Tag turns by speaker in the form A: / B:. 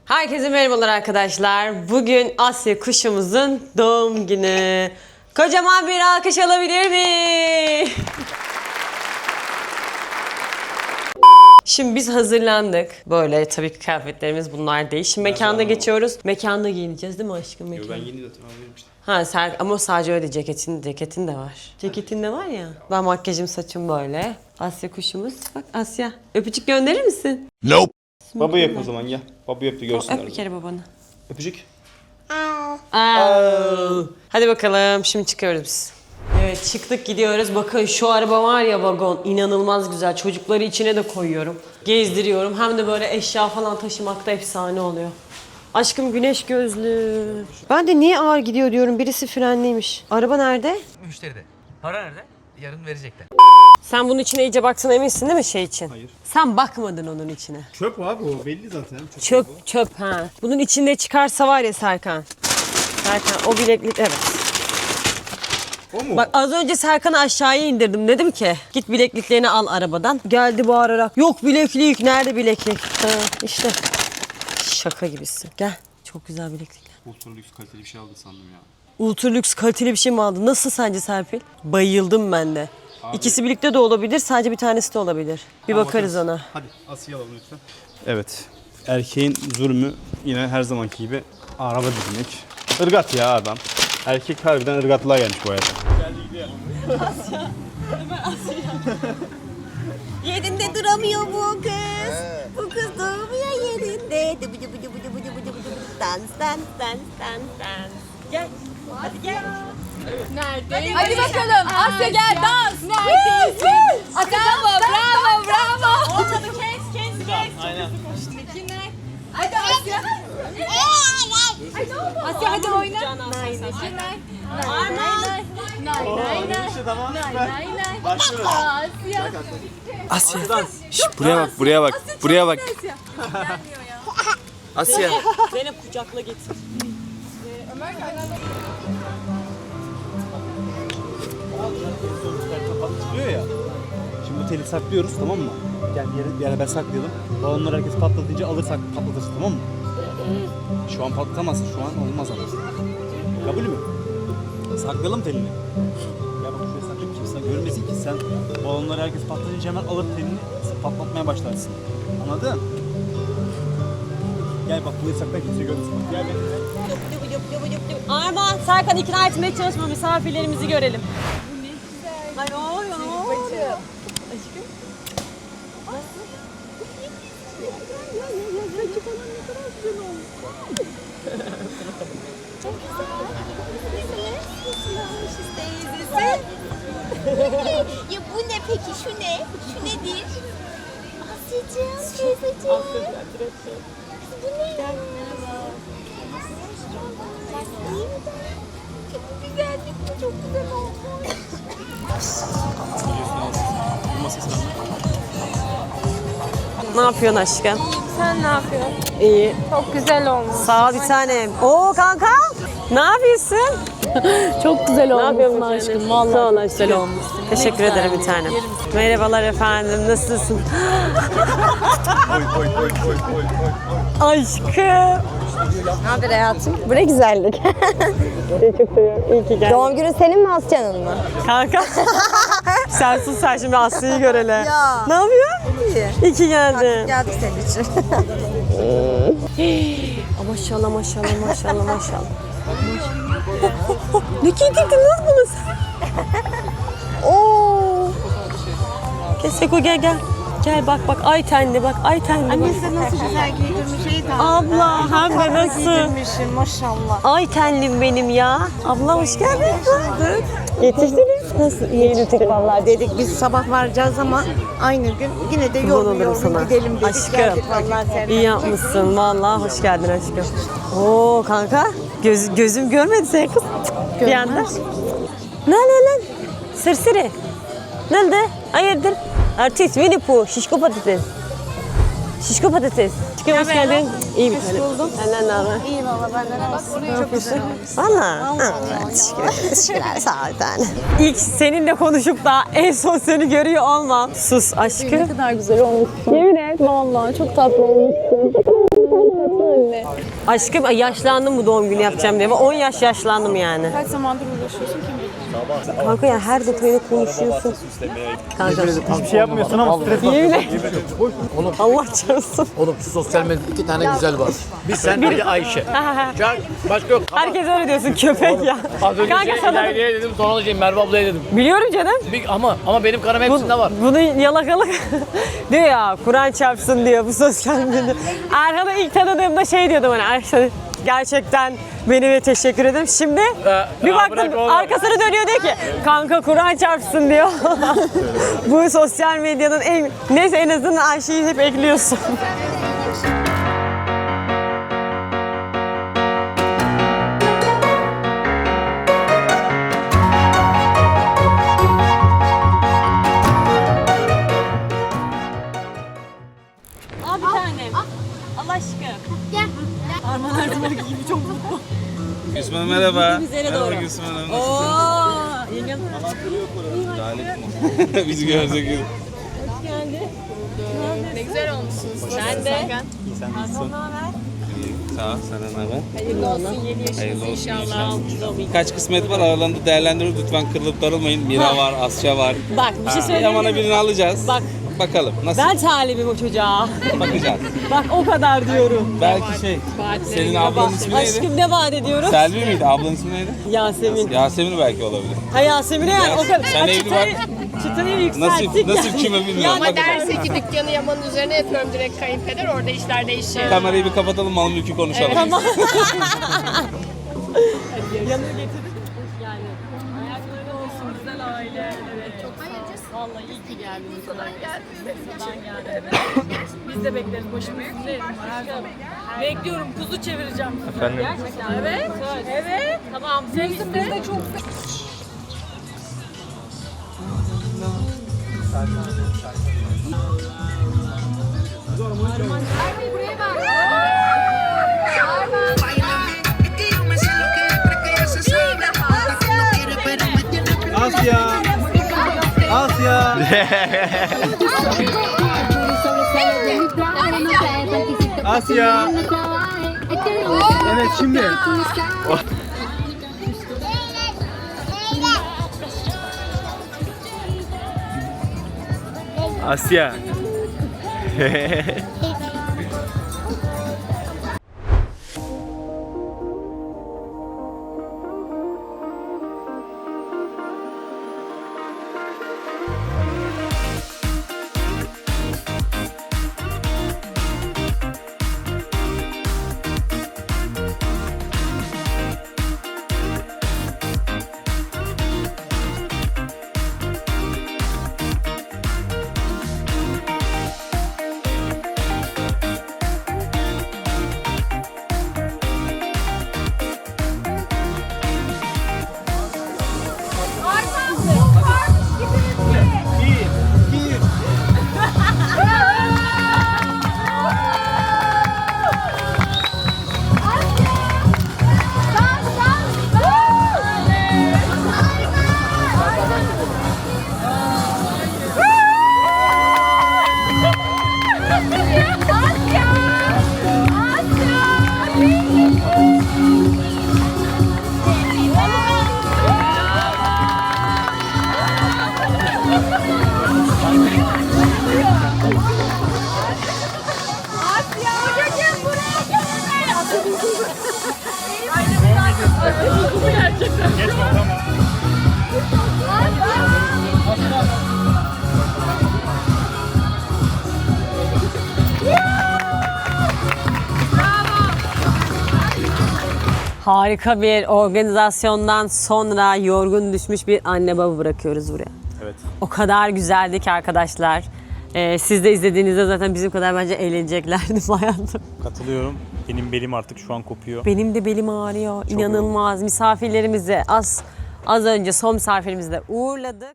A: Herkese merhabalar arkadaşlar. Bugün Asya kuşumuzun doğum günü. Kocaman bir alkış alabilir mi? Şimdi biz hazırlandık. Böyle tabii ki kıyafetlerimiz bunlar değil. Şimdi mekanda geçiyoruz. Mekanda giyineceğiz değil mi aşkım?
B: Yo, ben yeni zaten vermiştim.
A: Ha ama sadece öyle ceketin de var. Ceketin de var ya. Ben makyajım saçım böyle. Asya kuşumuz. Bak Asya. Öpücük gönderir misin?
B: Nope. Baba yap o zaman gel. Baba yap da görsünler.
A: Öp bir kere babanı.
B: Öpücük.
A: Hadi bakalım şimdi çıkıyoruz biz. Evet çıktık gidiyoruz. Bakın şu araba var ya vagon inanılmaz güzel. Çocukları içine de koyuyorum. Gezdiriyorum. Hem de böyle eşya falan taşımakta efsane oluyor. Aşkım güneş gözlü. Ben de niye ağır gidiyor diyorum. Birisi frenliymiş. Araba nerede?
C: Müşteride. Para nerede? Yarın verecekler.
A: Sen bunun içine iyice baktın eminsin değil mi şey için?
B: Hayır.
A: Sen bakmadın onun içine.
B: Çöp abi o belli zaten.
A: Çöp ha. Bunun içinde çıkarsa var ya Serkan. Serkan o bileklik evet.
B: O mu?
A: Bak az önce Serkan'ı aşağıya indirdim. Dedim ki git bilekliklerini al arabadan. Geldi bağırarak. Yok bileklik. Nerede bileklik? Ha, işte. Şaka gibisin. Gel. Çok güzel bileklikler.
B: Ultra lüks kaliteli bir şey aldı sandım ya.
A: Ultra lüks kaliteli bir şey mi aldın? Nasıl sence Serpil? Bayıldım ben de.
B: Abi.
A: İkisi birlikte de olabilir. Sadece bir tanesi de olabilir. Bir bakarız ona.
B: Hadi Asya'yı alalım lütfen. Evet. Erkeğin zulmü yine her zamanki gibi araba dizmek. Irgat ya adam. Erkek harbiden ırgatlığa gelmiş bu hayata. Geldi gidiyor.
D: Yerinde duramıyor bu kız. Bu kız durmuyor yerinde. Dans.
A: Gel. Hadi gel.
D: Hadi bakalım. Asya gel dans. Neredesin? Bravo. Ortalığı kes.
B: Aynen.
D: Hadi Asya. Asya hadi oyna.
B: Başlıyoruz.
D: Asya.
C: Buraya bak. Asya.
A: Zeynep kucakla getir.
B: Patlıyor ya. Şimdi bu teli saklıyoruz tamam mı? Gel bir yere ben saklayalım. Balonları herkes patlatınca alırsak patlatırsın tamam mı? Şu an patlatamazsın. Şu an olmaz ama. Kabul mü? Saklayalım telini. Gel bak şuraya saklayıp kimse görmesin ki sen balonları herkes patlatınca hemen alır telini patlatmaya başlarsın. Anladın? Gel bak burayı sakla kimse görmesin. Gel benimle.
A: Armağan, Serkan ikna etmeye çalışma misafirlerimizi görelim. Ay oy oy.
D: Ya bu ne peki? Şu ne? Şu nedir? Asya'cığım, teyzeciğim. Bu ne? İyi mi de? Çok güzel değil mi? Çok güzel olmuş.
A: Ne yapıyorsun aşkım?
D: Sen ne yapıyorsun?
A: İyi.
D: Çok güzel olmuş.
A: Sağ ol bir tanem. Oo kanka. Ne yapıyorsun?
E: Çok güzel
A: Ne
E: olmuşsun
A: yapıyorsun
E: aşkım. Vallahi
A: Sağ ol
E: çok
A: aşkım.
E: güzel olmuşsun.
A: Teşekkür ederim bir tanem. Merhabalar efendim. Nasılsın? Aşkım.
F: Ne haber hayatım? Bu ne güzellik.
A: Seni çok seviyorum. İyi ki geldin.
F: Doğum günün senin mi Asya'nın mı?
A: Kanka. Sen sus sen şimdi Aslı'yı göre hele.
F: Ya.
A: Ne yapıyorsun?
F: İyi.
A: İyi ki geldin.
F: Geldik senin için.
A: Maşallah. Ne giydirdin lan bunu sen? Oo. Seko gel. Gel bak ay tenli bak ay tenli.
F: Annesi nasıl güzel giydirmiş iyi
A: Abla hem de nasıl?
F: giydirmişsin maşallah.
A: Ay tenlim benim ya. Abla hoş geldin. Yetiştiniz. Nasıl?
F: Yetiştik vallahi dedik biz sabah varacağız ama aynı gün yine de
A: Olurum
F: yorgun
A: sana.
F: gidelim dedik.
A: Aşkım.
F: Geldik vallahi sen.
A: İyi yapmışsın vallahi hoş geldin aşkım. Oo kanka gözüm görmedi seni kız. Bir anda. Ne lan? Sırsırı. Nerede? Hayırdır? Artist Winnie Pooh, şişko patates. Şişko patates. Aşkım hoş geldin. İyi bir tane. Buldum. Senden ne haber?
F: İyi valla benden olsun.
A: Ne yapıyorsun? Valla. Teşekkürler sağ ol bir tane. İlk seninle konuşup da en son seni görüyor olmam. Sus aşkım.
E: Ne kadar güzel olmuşsun. Yemin et vallahi çok tatlı olmuşsun.
D: mi?
A: Aşkım yaşlandım bu doğum günü yapacağım diye. 10 yaş yaşlandım yani.
D: Kaç zamandır uğraşıyorsun ki?
A: Kanka ya her detayını konuşuyorsun. Kanka
B: Hiçbir şey yapmıyorsun ama stres
A: yemin Allah çarpsın.
E: Oğlum şu sosyal medyada 2 tane güzel var. Bir sen biri Ayşe. Can, başka yok.
A: Herkes öyle diyorsun köpek ya.
E: Az önce
A: Kanka sana da...
E: İlayda'ya dedim, sonra da Merve ablaya dedim.
A: Biliyorum canım.
E: Ama benim kanım hepsinde var.
A: Bunu yalakalık diyor ya, Kur'an çarpsın diyor bu sosyal medya. Erhan'ı ilk tanıdığımda şey diyordum hani Erhan gerçekten beni teşekkür ederim. Şimdi bir baktım arkasını dönüyor diyor ki kanka Kur'an çarpsın diyor. Bu sosyal medyanın en... Neyse en azından Ayşe'yi hep ekliyorsun. Abi tanem. Allah aşkına.
D: Gel.
A: Arman her zamanki gibi çok mutlu.
C: Gülsüm merhaba.
A: Üzerine doğru.
C: Merhaba Gülsüm Hanım.
A: Ooo. Yengem.
C: Bizi gördük.
A: Hoş geldin.
D: Ne güzel olmuşsunuz.
A: Sen de.
B: Sen nasılsın?
C: Sağ ol. Sana ne haber?
A: Hayırlı olsun yeni yaşınız
C: Hayırlı olsun
A: inşallah.
C: Kaç kısmet var aralarında değerlendirip lütfen kırılıp darılmayın. Mira var, Asya var.
A: Bak bir şey söyleyeyim
C: Yaman'a
A: mi?
C: birini alacağız.
A: Bak
C: Bakalım nasıl
A: ben talibim o çocuğa.
C: bakacağız.
A: Bak o kadar diyorum.
C: Belki şey. Senin ablanın ismi neydi?
A: Aşkım ne vaat ediyorum?
C: Selvi miydi? Ablanın ismi neydi?
A: Yasemin.
C: Yasemin belki olabilir.
A: Ha Yasemin'e yani o kadar.
C: Sen
A: Ha,
C: evli
A: çıtayı yükselttik
C: Nasıl
A: yani.
C: kime bilmiyorum.
A: Yani
D: Ama derse ki dükkanı Yaman'ın üzerine yapıyorum direkt kayınpeder. Orada işler değişiyor.
C: Kamerayı bir kapatalım, mal mülkü konuşalım.
A: Tamam. Yanına getirdik. Yani ayakları olsun güzel aile. Evet çok sağ ol. Vallahi iyi ki geldiniz. Falan geldiniz. Biz de bekleriz. Başımın üstünde her zaman. Bekliyorum. Kuzu çevireceğim. Efendim? Gerçekten. Evet. Evet. Tamam. Biz de çok
B: Asya! Asya! Asya! Evet şimdi. Asya.
A: Harika bir organizasyondan sonra yorgun düşmüş bir anne baba bırakıyoruz buraya.
B: Evet.
A: O kadar güzeldi ki arkadaşlar. Siz de izlediğinizde zaten bizim kadar bence eğleneceklerdi hayatım.
B: Katılıyorum. Benim belim artık şu an kopuyor.
A: Benim de belim ağrıyor. İnanılmaz. Misafirlerimizi az önce son misafirimizi de uğurladık.